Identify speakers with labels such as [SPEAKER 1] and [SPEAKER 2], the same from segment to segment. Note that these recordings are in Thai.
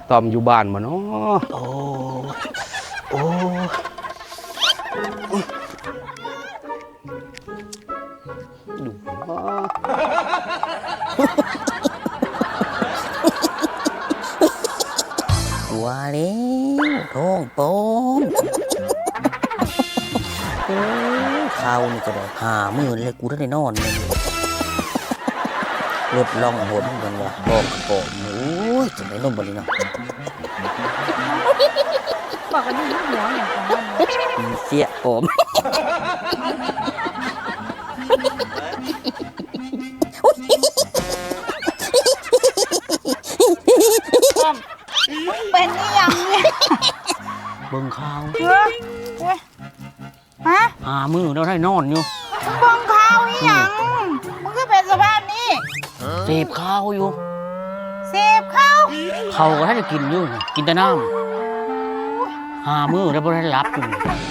[SPEAKER 1] ตอมอยู่บ้านบ่เนาะ
[SPEAKER 2] โอ้โอ้
[SPEAKER 1] ดู
[SPEAKER 2] ว่าแล้วท้องโป่งข้าวนี่ก็ได้50,000เลยกูได้นอนเลยรถล่องหนกันว่าบอกกระโปงโอ้ยจะได้นมบ่นี่เนาะ
[SPEAKER 3] บอกกันนี่หัวอย่างของมัน
[SPEAKER 2] เสียผม
[SPEAKER 3] เป็นนี่ยังเนี่ย
[SPEAKER 2] เบิ่งข้าว
[SPEAKER 3] ฮะ
[SPEAKER 2] 50,000แล้วได้นอนอยู่
[SPEAKER 3] มึงบังข้าวนี่ยังมึงก็เป็นสภาพนี้
[SPEAKER 2] เสพข้าวอยู่
[SPEAKER 3] เสพข้าว
[SPEAKER 2] เขาก็ให้กินอยู่นะกินแต่น้ำ50,000แล้วบ่ได้รับอยู่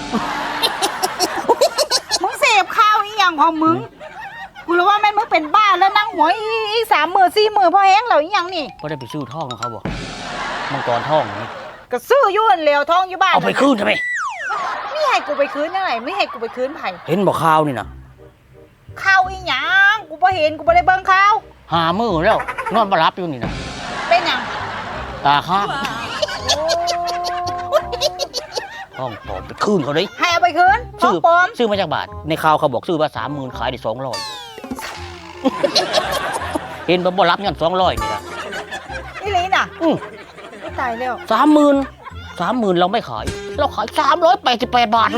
[SPEAKER 3] มึงเสพข้าวนี่ยังของมึงกูรู้ว่าแม่มึงเป็นบ้าแล้วนั่งหัวอี30,000 40,000พอแห้งแล้วยังนี่
[SPEAKER 2] บ่ได้ไปซื้อทองของเขาบ่มังกรทองนี่
[SPEAKER 3] ก็ซื้อยุ่นเหลวทองอยู่บ้าน
[SPEAKER 2] เอาไปคืนทำไม
[SPEAKER 3] ไม่ให้กูไปคืนยังไงไม่ให้กูไปคืนไผ่
[SPEAKER 2] เห็นบ่ข้าวนี่นะ
[SPEAKER 3] ข้าวอีหยังกูบ่เห็นกูบ่ได้เบิ่งข้าว
[SPEAKER 2] 50,000แล้วนอนบ่รับอยู่นี่นะ
[SPEAKER 3] เป็นหยัง
[SPEAKER 2] ตาค้างทองปลอมไปคืนเขาเลย
[SPEAKER 3] ให้เอาไปคืนทองปลอม
[SPEAKER 2] ซื้อมาจากบาทในข่าวเขาบอกซื้อมา30,000ขายได้200 เห็นบ่รับเงิน200นี่ล่ะ
[SPEAKER 3] นี่ลีน่ะตายแล้ว
[SPEAKER 2] 30,000เราไม่ขายเราขาย388 บาท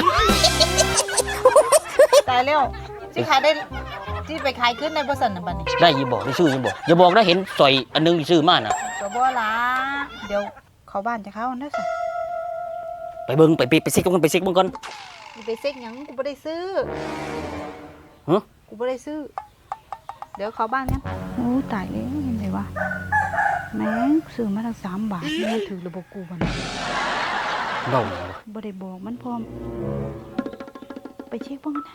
[SPEAKER 3] ตายแล้วที่ขายได้ที่ไปขายขึ้นในบริษัทนั่นบัดนี้
[SPEAKER 2] ได้ยิบอกได้ซื้อยังบอกอย่าบอกนะเห็นสอยอันนึงซื้อมาน่ะ
[SPEAKER 3] ก็บ่ละเดี๋ยวเขาบ้านจะเข้านะสิ
[SPEAKER 2] ไปเบิ่งไปซิกมันไปซิกมึงก่อน
[SPEAKER 3] ไปเซ็กหยังกูบ่ได้ซื้อ
[SPEAKER 2] ฮะ
[SPEAKER 3] กูบ่ได้ซื้อ เดี๋ยวเขาบ้านยังโอ้ตายแล้วเห็นไหมวะแม่งซื้อมาตั้ง3 บาทไม่ถือระบบกูบัดนี้
[SPEAKER 2] เล่า
[SPEAKER 3] บ่ได้บอกมันพร้อมไปเช็คบ้างนะ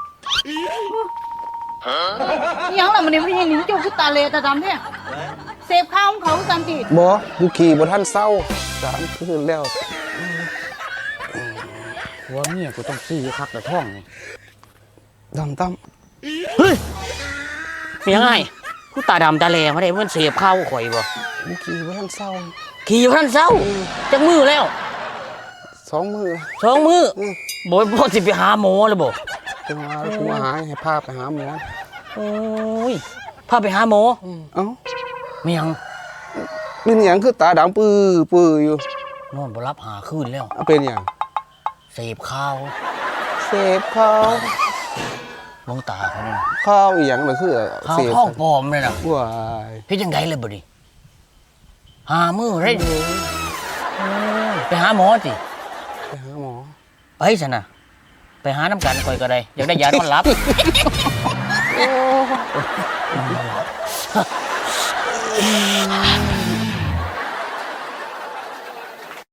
[SPEAKER 3] ยังล่ะมันนี่ไม่ใช่หนิงเจ้าคือตาเลตาดำแท้เสพข้าวของเขาสันติ
[SPEAKER 1] บ่กูขี่บ่ทันเศร้า3 คืนแล้ว
[SPEAKER 2] ว่าเมียกูต้องซื้อคักแต่ท่องนี่
[SPEAKER 1] ตั้ม
[SPEAKER 2] เฮ้ยเมียง่ายกูตาดำตาแหลมาได้มันเสียบข้าวข่อยบ่
[SPEAKER 1] กูขี่บ่ทันเศร้า
[SPEAKER 2] ขี่อยู่ท่านเศร้าจักมือแล้ว
[SPEAKER 1] 2 มื้อ
[SPEAKER 2] 2 มือบ่สิไปหาหมอเลยบ่
[SPEAKER 1] จังว่ากูมาหาให้พาไปหาหมอ
[SPEAKER 2] โอ้ยพาไปหาหมอ
[SPEAKER 1] เอ้า
[SPEAKER 2] เมียง
[SPEAKER 1] เป็นหยังคือตาดำปื้ออยู่
[SPEAKER 2] นอนบ่รับหาคืนแล้ว
[SPEAKER 1] เอาเป็นหยัง
[SPEAKER 2] เสพข้าว
[SPEAKER 1] เสพข้าว
[SPEAKER 2] มองตาเขานี่นะ
[SPEAKER 1] ข้าวอีหยังน่ะคือ
[SPEAKER 2] ข้าว
[SPEAKER 1] เสพ
[SPEAKER 2] ท้องปลอมเลยนะ
[SPEAKER 1] ว้าย
[SPEAKER 2] เฮ็ดจังไดเลยบ่ดิหามือได้ไปหาหมอสิ
[SPEAKER 1] ไปหาหมอ
[SPEAKER 2] ไปซะนะไปหาน้ำกันข่อยก็ได้อยากได้ยานอนหลับ
[SPEAKER 1] โอ้